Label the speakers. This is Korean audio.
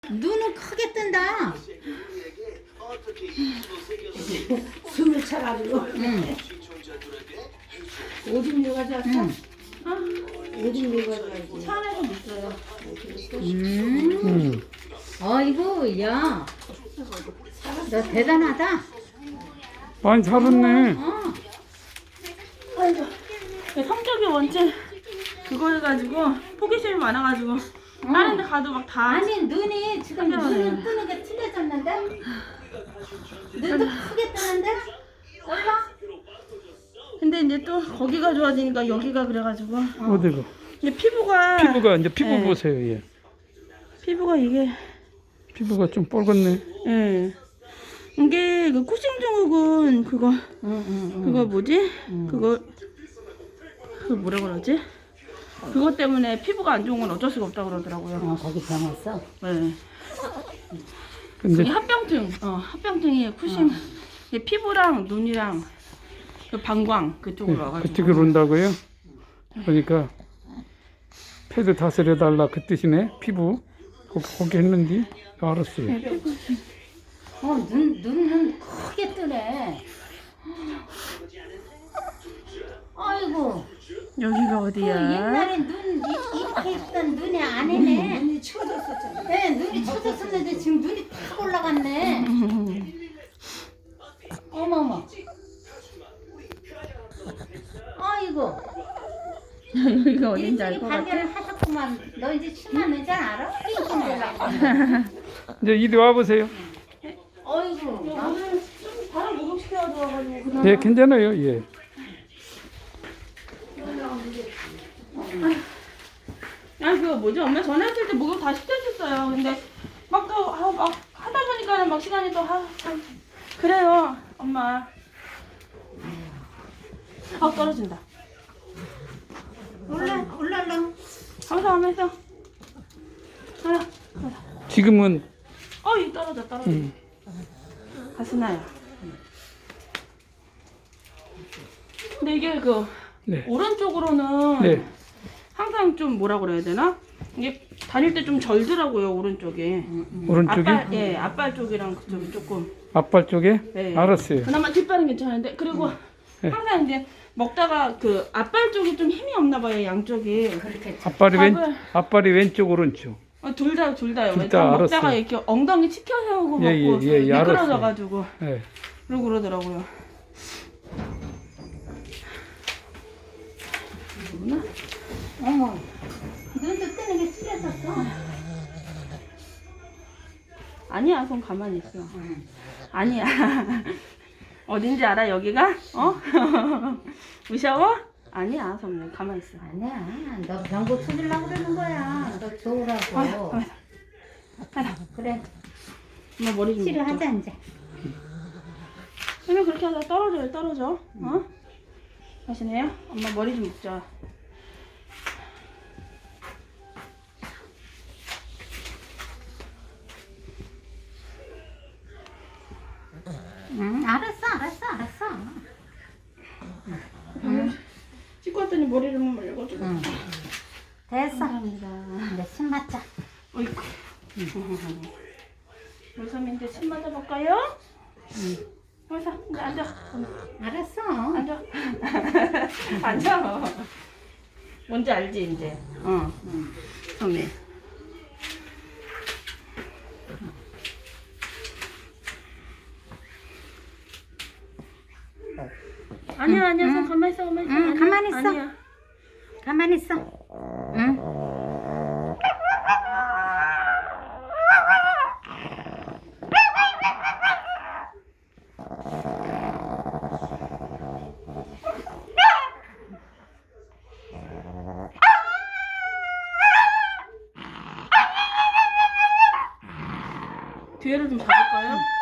Speaker 1: 눈은 크게 뜬다.
Speaker 2: 숨을 차가지고.
Speaker 1: 응.
Speaker 2: 오줌 누가 잤어? 오줌 누가 잤어?
Speaker 3: 차 안에도 있어요.
Speaker 1: 아이고, 야. 너 대단하다.
Speaker 4: 많이 자랐네.
Speaker 1: 어.
Speaker 3: 아이고. 성격이 원체 그거 해가지고 호기심이 많아가지고 다른 데 가도 막 다.
Speaker 1: 아니, 눈이 지금 눈은 뜨는 게 틀려졌는데? 눈도 크게 뜨는데? 몰라?
Speaker 3: 근데 이제 또 거기가 좋아지니까 여기가 그래가지고.
Speaker 4: 어디가?
Speaker 3: 근데 피부가
Speaker 4: 이제 피부
Speaker 3: 네.
Speaker 4: 보세요. 예.
Speaker 3: 피부가 이게
Speaker 4: 피부가 좀 뻘겋네.
Speaker 3: 예. 이게 그 쿠싱 증후군 그거 그거 뭐지? 그거 뭐라 그러지? 그것 때문에 피부가 안 좋은 건 어쩔 수가 없다 그러더라고요.
Speaker 1: 거기 병 왔어?
Speaker 3: 네.
Speaker 4: 근데
Speaker 3: 이게 합병증. 합병증이 쿠싱. 이게 피부랑 눈이랑 그 방광 그쪽으로 와가지고.
Speaker 4: 그쪽으로 온다고요? 그러니까 패드 다스려 달라 그 뜻이네. 피부 거기 했는지 알았어요.
Speaker 1: 눈은 크게 뜨네. 아이고.
Speaker 3: 여기가
Speaker 1: 그
Speaker 3: 어디야?
Speaker 1: 옛날에 눈 이렇게 있던 눈이 아니네.
Speaker 2: 눈이 쳐졌었잖아.
Speaker 1: 네, 눈이 쳐졌었는데 지금 눈이 탁 올라갔네. 어머머. 아이고.
Speaker 3: 여기가 어딘지
Speaker 1: 일찍이
Speaker 3: 알 것 같아.
Speaker 1: 발견을 하셨구만. 너 이제 치마 내장 알아?
Speaker 4: 이제 이리 와 보세요.
Speaker 1: 어이구.
Speaker 3: 오늘 좀 바로 목욕시켜야 돼가지고 그냥.
Speaker 4: 예, 괜찮아요. 예.
Speaker 3: 아니 그거 뭐지? 엄마 전화했을 때 목욕 다 시켜줬어요. 근데 막 또 막 하다 보니까는 막 시간이 또 그래요 엄마. 떨어진다.
Speaker 1: 올라.
Speaker 3: 하면서 하나.
Speaker 4: 지금은
Speaker 3: 이 떨어져. 가스나요. 근데 이게 그
Speaker 4: 네.
Speaker 3: 오른쪽으로는
Speaker 4: 네.
Speaker 3: 항상 좀 뭐라 그래야 되나? 이게 다닐 때 좀 절더라고요 오른쪽에.
Speaker 4: 오른쪽이
Speaker 3: 앞발 쪽이랑 그쪽이 조금.
Speaker 4: 앞발 쪽에
Speaker 3: 네.
Speaker 4: 알았어요.
Speaker 3: 그나마 뒷발은 괜찮은데 그리고
Speaker 4: 네.
Speaker 3: 항상 이제 먹다가 그 앞발 쪽이 좀 힘이 없나 봐요 양쪽이.
Speaker 1: 그렇게
Speaker 4: 앞발이 왼쪽 오른쪽.
Speaker 3: 둘 다요.
Speaker 4: 둘다
Speaker 3: 먹다가
Speaker 4: 알았어요.
Speaker 3: 이렇게 엉덩이 치켜 세우고 먹고
Speaker 4: 예,
Speaker 3: 미끄러져가지고
Speaker 4: 예.
Speaker 3: 그러고 그러더라고요.
Speaker 1: 어머. 눈도 뜨는 게 틀려졌어.
Speaker 3: 아니야, 손 가만히 있어. 아니야. 어딘지 알아, 여기가? 무서워? 아니야, 선배. 가만히 있어.
Speaker 1: 아니야. 너 병 고쳐주려고 그러는 거야. 너 좋으라고. 그래.
Speaker 3: 엄마 머리 좀
Speaker 1: 치료하자 이제.
Speaker 3: 그러면 그렇게 하다 떨어져. 하시네요? 엄마 머리 좀 묶자.
Speaker 1: 응, 알았어.
Speaker 3: 씻고 왔더니 머리를 말려가지고.
Speaker 1: 됐어.
Speaker 3: 감사합니다.
Speaker 1: 이제 침 맞자.
Speaker 3: 어이구. 요삼인데 침 맞아볼까요? 요삼, 이제 앉아.
Speaker 1: 알았어.
Speaker 3: 앉아. 앉아. 뭔지 알지, 이제? 선배. 아니야, 손 가만히 있어.
Speaker 1: 응, 가만히 있어.
Speaker 3: 아니야.
Speaker 1: 가만히 있어. 응.
Speaker 3: 뒤에를 좀 잡을까요?